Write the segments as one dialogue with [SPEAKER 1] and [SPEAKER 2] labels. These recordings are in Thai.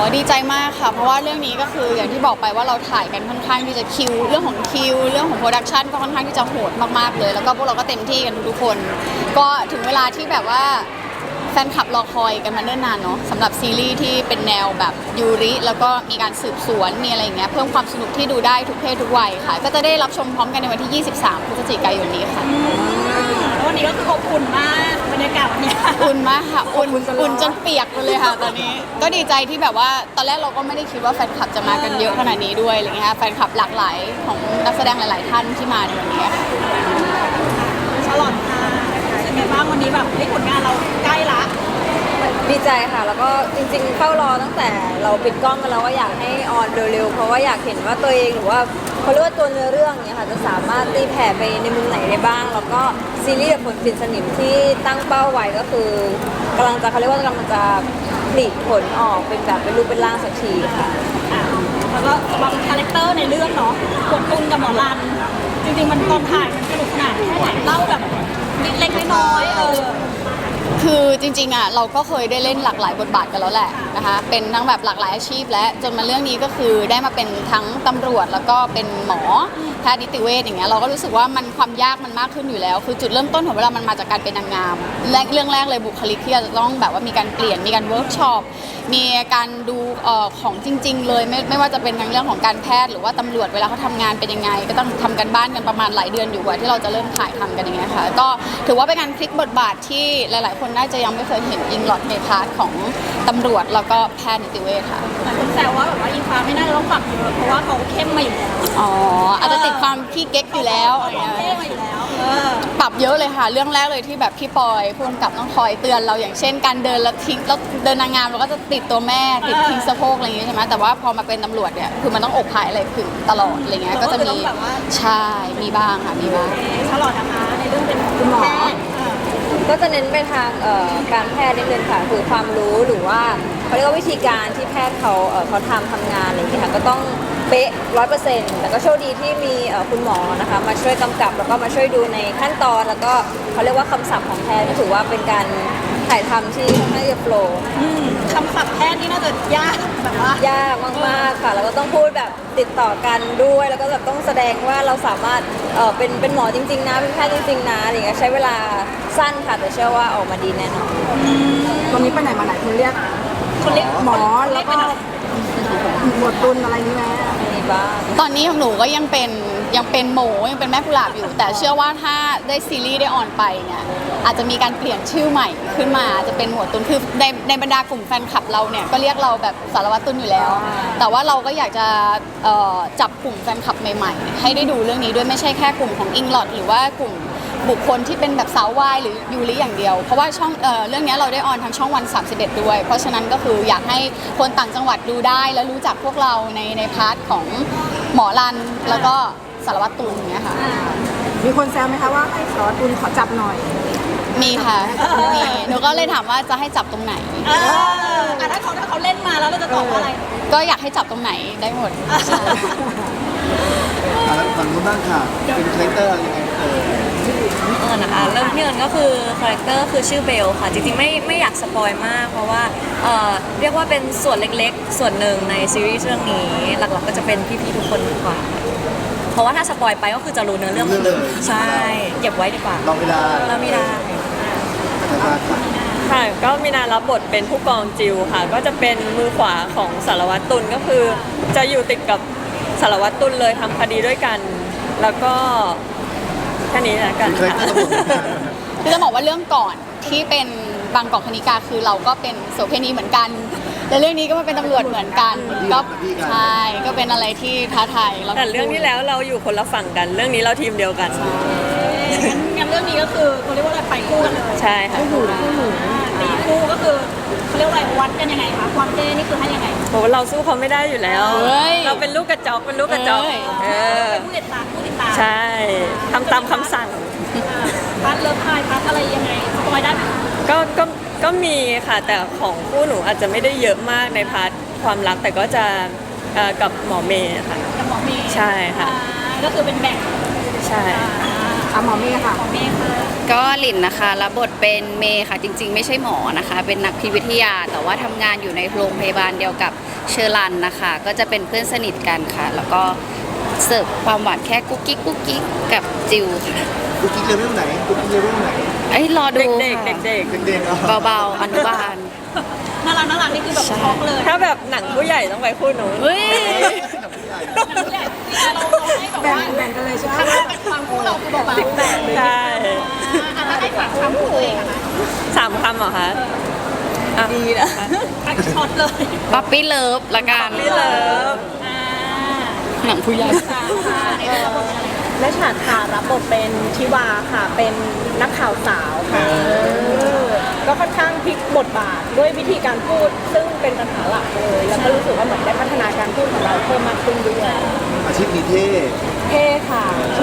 [SPEAKER 1] ดีใจมากค่ะเพราะว่าเรื่องนี้ก็คืออย่างที่บอกไปว่าเราถ่ายกันค่อนข้างที่จะเรื่องของเรื่องของโปรดักชันก็ค่อนข้างที่จะโหดมากๆเลยแล้วก็พวกเราก็เต็มที่กันทุกคนก็ถึงเวลาที่แบบว่าแฟนคลับรอคอยกันมาเนิ่นนานเนาะสำหรับซีรีส์ที่เป็นแนวแบบยูริแล้วก็มีการสืบสวนมีอะไรอย่างเงี้ยเพิ่มความสนุกที่ดูได้ทุกเพศทุกวัยค่ะก็จะได้รับชมพร้อมกันในวันที่ 23 พฤศจิกายนนี้ค่ะ
[SPEAKER 2] วันนี้ก็คืออบอุ่นมากบรรยากาศวันนี้
[SPEAKER 1] อุ่นมากค่ะอุ่นจนเปียกไปเลยค่ะตอนนี้ก็ดีใจที่แบบว่าตอนแรกเราก็ไม่ได้คิดว่าแฟนคลับจะมากันเยอะขนาดนี้ด้วยอะไรเงี้ยแฟนคลับหลากหลายของนักแสดงหลายๆท่านที่มาในวันนี้ค่ะ
[SPEAKER 2] ฉลองค่ะเป็นไงบ้างวันนี้แบบผลงานเราใกล้ละ
[SPEAKER 3] ดีใจค่ะแล้วก็จริงๆเฝ้ารอตั้งแต่เราปิดกล้องกันแล้วว่าอยากให้ออนเร็วๆเพราะว่าอยากเห็นว่าตัวเองหรือว่าเขาเรียกว่าตัวเนื้อเรื่องเนี่ยค่ะจะสามารถตีแผ่ไปในมุมไหนได้บ้างแล้วก็ซีรีส์ผลปิดสนิมที่ตั้งเป้าไว้ก็คือกำลังจะเขาเรียกว่ากำลังจะผลิผลออกเป็นแบบเป็นรูปเป็นร่างสักทีค่ะ
[SPEAKER 2] แล้วก็สำหรับคาแรคเตอร์ในเรื่องเนาะกดตุนกับหมอรันจริงๆมันตอนถ่ายมันสนุกสนานแค่ไหนเล่าแบบเล็กๆน้อยๆ
[SPEAKER 1] คือจริงๆอ่ะเราก็เคยได้เล่นหลากหลายบทบาทกันแล้วแหละนะคะเป็นทั้งแบบหลากหลายอาชีพและจนมาเรื่องนี้ก็คือได้มาเป็นทั้งตำรวจแล้วก็เป็นหมอแพทย์นิติเวชอย่างเงี้ยเราก็รู้สึกว่ามันความยากมันมากขึ้นอยู่แล้วคือจุดเริ่มต้นของเวลามันมาจากการเป็นนางงามเรื่องแรกเลยบุคลิกที่จะต้องแบบว่ามีการเปลี่ยนมีการเวิร์กช็อปมีการดูของจริงๆเลยไม่ว่าจะเป็นทั้งเรื่องของการแพทย์หรือว่าตำรวจเวลาเขาทำงานเป็นยังไงก็ต้องทำกันบ้านกันประมาณหลายเดือนอยู่กว่าที่เราจะเริ่มถ่ายทำกันอย่างเงี้ยค่ะก็ถือว่าเป็นการพลิกบทบาทที่หลายๆคนน่าจะยังไม่เคยเห็นอิงหลอดในพาร์ทของตำรวจแล้วก็แพทย์นิติเวชค่ะ
[SPEAKER 2] หลายคนแซวว่าแบบว่าอิงฟ้าไม่น่าจะต้องปรับเยอะเพราะว่าเขาเข้มมาอยู่แล้ว
[SPEAKER 1] อ๋ออาจจะติดความขี้เก๊กอยู่แล้ว
[SPEAKER 2] เข้มมาอยู่แล้ว
[SPEAKER 1] ปรับเยอะเลยค่ะเรื่องแรกเลยที่แบบพี่ปอยผู้กำกับต้องคอยเตือนเราอย่างเช่นการเดินแล้วทิ้งแล้วเดินนางงามเราก็จะติดตัวแม่ติดทิ้งสะโพกอะไรอย่างเงี้ยใช่ไหมแต่ว่าพอมาเป็นตำรวจเนี่ยคือมันต้องอกผายอะไรขึงตลอดอะไรเงี้ยก็จะมีใช่มีบ้างค่ะมีบ้าง
[SPEAKER 2] ฉลอดนะคะในเรื่องเป็นคุณหมอ
[SPEAKER 3] ก็จะเน้นไปทางการแพทย์นิดนึงค่ะคือความรู้หรือว่าเขาเรียกว่าวิธีการที่แพทย์เขาทำงานอะไรอย่างเงี้ยค่ะก็ต้องเป๊ะ100%แต่ก็โชคดีที่มีคุณหมอนะคะมาช่วยกำกับแล้วก็มาช่วยดูในขั้นตอนแล้วก็เขาเรียกว่าคำศัพท์ของแพทย์ก็ถือว่าเป็นการถ่ายทำที่ค่อนข้างจะโปร
[SPEAKER 2] คำศัพท์แพทย์นี่น่าจะยากแบบว่าย
[SPEAKER 3] ากมากๆค่ะแล้วก็ต้องพูดแบบติดต่อกันด้วยแล้วก็แบบต้องแสดงว่าเราสามารถเป็นหมอจริงๆนะเป็นแพทย์จริงๆนะอะไรอย่างเงี้ยใช้เวลาสั้นค่ะแต่เชื่อว่าออกมาดีแน่นอน
[SPEAKER 4] วันนี้ไปไหนมาไหนคุณเรียกหมอแล้วก็หมวดตุนอะไรนี้ไหม
[SPEAKER 3] มีบ้าง
[SPEAKER 1] ตอนนี้ของหนูก็ยังเป็นโมยังเป็นแม่กุหลาบอยู่แต่เชื่อว่าถ้าได้ซีรีส์ได้ออนไปเนี่ยอาจจะมีการเปลี่ยนชื่อใหม่ขึ้นมาจะเป็นหมวดตุนคือในบรรดากลุ่มแฟนคลับเราเนี่ยก็เรียกเราแบบสารวัตรตุนอยู่แล้วแต่ว่าเราก็อยากจะจับกลุ่มแฟนคลับใหม่ๆให้ได้ดูเรื่องนี้ด้วยไม่ใช่แค่กลุ่มของอิงลอดหรือว่ากลุ่มบุคคลที่เป็นแบบสาววายหรือยูริอย่างเดียวเพราะว่าช่องเรื่องนี้เราได้ออนทางช่องวัน31ด้วยเพราะฉะนั้นก็คืออยากให้คนต่างจังหวัดดูได้และรู้จักพวกเราในพาร์ทของหมอรันแล้วก็สารวัตรตุลอย่างเงี้ยค่ะ
[SPEAKER 4] มีคนแซวไหมคะว่าให้สารวัตรตุลขอจับหน่อย
[SPEAKER 1] มีค่ะมีหนูก็เลยถามว่าจะให้จับตรงไหน
[SPEAKER 2] ถ้าเขาเล่นมาแล้วเราจะตอบว่าอะไร
[SPEAKER 1] ก็อยากให้จับตรงไหนได้หมด
[SPEAKER 5] แล้วฝั่งนู้นบ้างค่ะเป็นคาแรคเตอร์ยังไง
[SPEAKER 6] นะคะเริ่มที่เอิญก็คือคาแรคเตอร์คือชื่อเบลค่ะจริงๆไม่อยากสปอยมากเพราะว่าเรียกว่าเป็นส่วนเล็กๆส่วนหนึ่งในซีรีส์เรื่องนี้หลักๆก็จะเป็นพี่ๆทุกคนมากกว่าเพราะว่าถ้าสปอยไปก็คือจะรู้เนื้อเรื่องใช่เก็บไว้ดีกว่า
[SPEAKER 5] เราไม่ได้
[SPEAKER 7] ค่ะก็มีนารับบทเป็นผู้กองจิวค่ะก็จะเป็นมือขวาของสารวัตรตุลก็คือจะอยู่ติดกับสารวัตรตุลเลยทำคดีด้วยกันแล้วก็แค่นี้นะกันค่ะ
[SPEAKER 1] คือจะบอกว่าเรื่องก่อนที่เป็นบางกอกคณิกาคือเราก็เป็นโสเภณีเหมือนกันแต่เรื่องนี้ก็มาเป็นตำรวจเหมือนกันก็ใช่ก็เป็นอะไรที่ท้าทาย
[SPEAKER 7] แต่เรื่องที่แล้วเราอยู่คนละฝั่งกันเรื่องนี้เราทีมเดียวกัน
[SPEAKER 2] งั้นเรื่องนี้ก็คือเขาเรียกว่าอะไรไปคู่กันเลย
[SPEAKER 7] ใช่ค่ะ
[SPEAKER 2] ตีคู่ก็คือเขาเรียกว่าอะไรวัดกันยังไงคะความเท่นี่คือให้ยังไง
[SPEAKER 7] โหเราสู้เขาไม่ได้อยู่แล้วเราเป็นลูกกระจอกเป็นผู้
[SPEAKER 2] ติดตาม
[SPEAKER 7] ใช่ทำตามคำสั่ง
[SPEAKER 2] พาร์ทเลิฟพายพาร์ทอะไรยังไงสปอยได้ไหม
[SPEAKER 7] ก็มีค่ะแต่ของคู่หนูอาจจะไม่ได้เยอะมากในพาร์ทความรักแต่ก็จะกับหมอเมย์ค่ะ
[SPEAKER 2] กับหมอเมย์
[SPEAKER 7] ใช่ค่ะ
[SPEAKER 2] ก็คือเป็นแบ่ง
[SPEAKER 7] ใช่
[SPEAKER 4] หมอเมย์ค่ะ
[SPEAKER 1] ก็หลินนะคะรับบทเป็นเมย์ค่ะจริงๆไม่ใช่หมอนะคะ เป็นนักพิวิทยา แต่ว่าทำงานอยู่ในโรงพยาบาลเดียวกับเชอรันนะคะ ก็จะเป็นเพื่อนสนิทกันค่ะ แล้วก็เสิร์ฟความหวานแค่กุ๊กกิ๊กกุ๊กกิ๊กกับจิวค่ะ
[SPEAKER 5] กุ๊กกิ๊กเลเวลไหนกุ๊กกิ๊กเลเวลไหน
[SPEAKER 1] ไอ้ยรอดู
[SPEAKER 7] เด็ก
[SPEAKER 1] ค่ะ
[SPEAKER 7] ๆเด็ก
[SPEAKER 5] เด็กๆเหรอ
[SPEAKER 1] เบาๆอนุบาล
[SPEAKER 2] น่ารักนี่คือแบบช็อกเลย
[SPEAKER 7] ๆ ถ้าแบบหนังผู้ใหญ่ต้องไปคู่หนูน
[SPEAKER 1] เฮ้ย
[SPEAKER 5] หนังผู้ใหญ่
[SPEAKER 2] เราให้แบบ
[SPEAKER 4] แบ่ง
[SPEAKER 2] ว่า
[SPEAKER 4] แบ่งกันเลยใช่ไหม
[SPEAKER 2] ถ้าเป็นความคู่เราคือเบาๆ
[SPEAKER 7] ใช่
[SPEAKER 2] อันนั้นให้ฝากความคู่ตัวเองอะนะ
[SPEAKER 7] 3 คำเหรอคะดีนะ
[SPEAKER 2] ช็อตเลย
[SPEAKER 1] ป๊อปปี้เลิฟละกัน
[SPEAKER 7] พี่เลิฟ
[SPEAKER 2] อ่า
[SPEAKER 1] หนังผู้ใหญ่
[SPEAKER 2] ในเรื่องบทเป็นอะไร
[SPEAKER 8] และฉากค่ะรับบทเป็นทิวาค่ะ เป็นนักข่าวสาวค่ะก็ค่อนข้างพลิกบทบาทด้วยวิธีการพูด ซึ่งเป็นปัญหาหลักเลย แล้วก็รู้สึกว่าเหมือนได้พัฒนาการพูดของเราเพิ่มมากขึ้นด้วย
[SPEAKER 5] อาชีพนี้เท่
[SPEAKER 8] เท่ค่ะ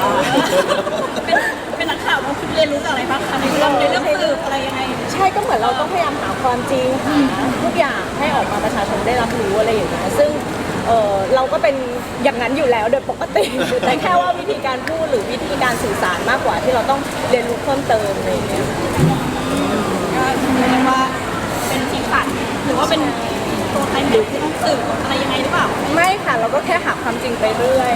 [SPEAKER 2] เป็นนักข่าวเราคือเรียนรู้จากอะไรบ้างคะในเรื่องสืบอะไรยังไง
[SPEAKER 8] ใช่ก็เหมือนเราต้องพยายามหาความจริงหาทุกอย่างให้ออกมาประชาชนได้รับรู้อะไรอย่างเงี้ยซึ่งเราก็เป็นอย่างนั้นอยู่แล้วโดยปกติ แต่แค่ว่าวิธีการพูดหรือวิธีการสื่อสารมากกว่าที่เราต้องเรียนรู้เพิ่มเติมอะไรอย่างเงี้ย
[SPEAKER 2] ก็เรียกว่าเป็นสีสันหรือว่าเป็นตัวใครหนึ่งที่ต้องสืบอะไรยังไงหรือเปล่า
[SPEAKER 8] ไม่ค่ะเราก็แค่หาความจริงไปเรื่อย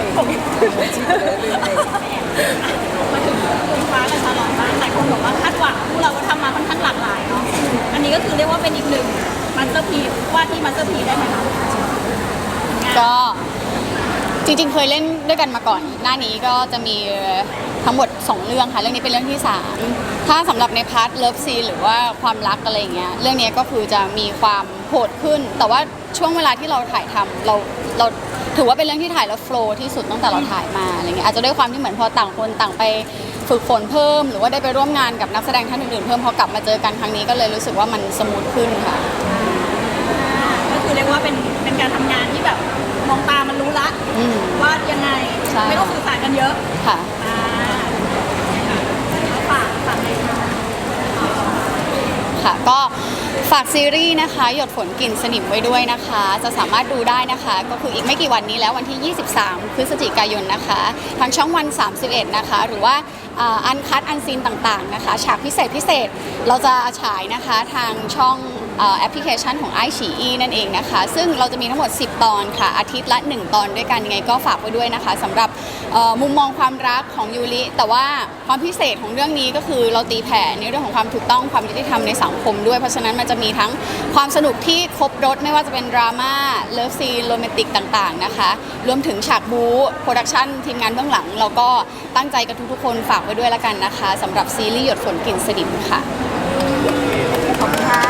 [SPEAKER 2] มาถึงคุณฟ้ากับชาลอตบ้างหลายคนบอกว่าคาดหวังพวกเราก็ทำมาค่อนข้างหลากหลายเนาะอันนี้ก็คือเรียกว่าเป็นอีกหนึ่งมาสเตอร์พีซว่าที่มาสเตอร์พีซได้ไหมคะ
[SPEAKER 1] ก็จริงๆเคยเล่นด้วยกันมาก่อน หน้านี้ก็จะมีทั้งหมด 2 เรื่องค่ะ เรื่องนี้เป็นเรื่องที่ 3 ถ้าสำหรับในพาร์ทเลิฟซีนหรือว่าความรักอะไรอย่างเงี้ยเรื่องนี้ก็คือจะมีความโหดขึ้น แต่ว่าช่วงเวลาที่เราถ่ายทำเราถือว่าเป็นเรื่องที่ถ่ายแล้วโฟลว์ที่สุดตั้งแต่เราถ่ายมาอะไรเงี้ยอาจจะด้วยความที่เหมือนพอต่างคนต่างไปฝึกฝนเพิ่ม หรือว่าได้ไปร่วมงานกับนักแสดงท่านอื่นๆเพิ่มพอกลับมาเจอกันครั้งนี้ก็เลยรู้สึกว่ามันสมูทขึ้นค่ะ
[SPEAKER 2] ก็คือเรียกว่าเป็นการทำงานที่แบบมองตามันรู้ละ
[SPEAKER 1] อืม
[SPEAKER 2] ว่ายังไง
[SPEAKER 1] ใช่
[SPEAKER 2] ไม่ต้องสื่อสารกันเยอะ
[SPEAKER 1] ค่ะ
[SPEAKER 2] อ่าฝากเลย
[SPEAKER 1] ค่ะก็ฝากซีรีส์นะคะหยดฝนกลิ่นสนิมไว้ด้วยนะคะ จะสามารถดูได้นะคะ ก็คืออีกไม่กี่วันนี้แล้ววันที่ 23 พฤศจิกายนนะคะ ทางช่องวัน 31 นะคะ หรือว่าอันคัดอันซีนต่างๆนะคะ ฉากพิเศษเราจะฉายนะคะทางช่องแอปพลิเคชันของไอฉีอีนั่นเองนะคะ ซึ่งเราจะมีทั้งหมด 10 ตอนค่ะ อาทิตย์ละ 1 ตอนด้วยกันยังไงก็ฝากไว้ด้วยนะคะสำหรับมุมมองความรักของยูริแต่ว่าความพิเศษของเรื่องนี้ก็คือเราตีแผ่ในเรื่องของความถูกต้องความยุติธรรมในสังคมด้วยเพราะฉะนั้นมันจะมีทั้งความสนุกที่ครบรถไม่ว่าจะเป็นดราม่าเลิฟซีนโรแมนติกต่างๆนะคะรวมถึงฉากบู๊โปรดักชั่นทีมงานเบื้องหลังเราก็ตั้งใจกับทุกๆคนฝากไว้ด้วยละกันนะคะสำหรับซีรีส์หยดฝนกลิ่นสนิมค่ะ
[SPEAKER 4] ขอบคุณค่ะ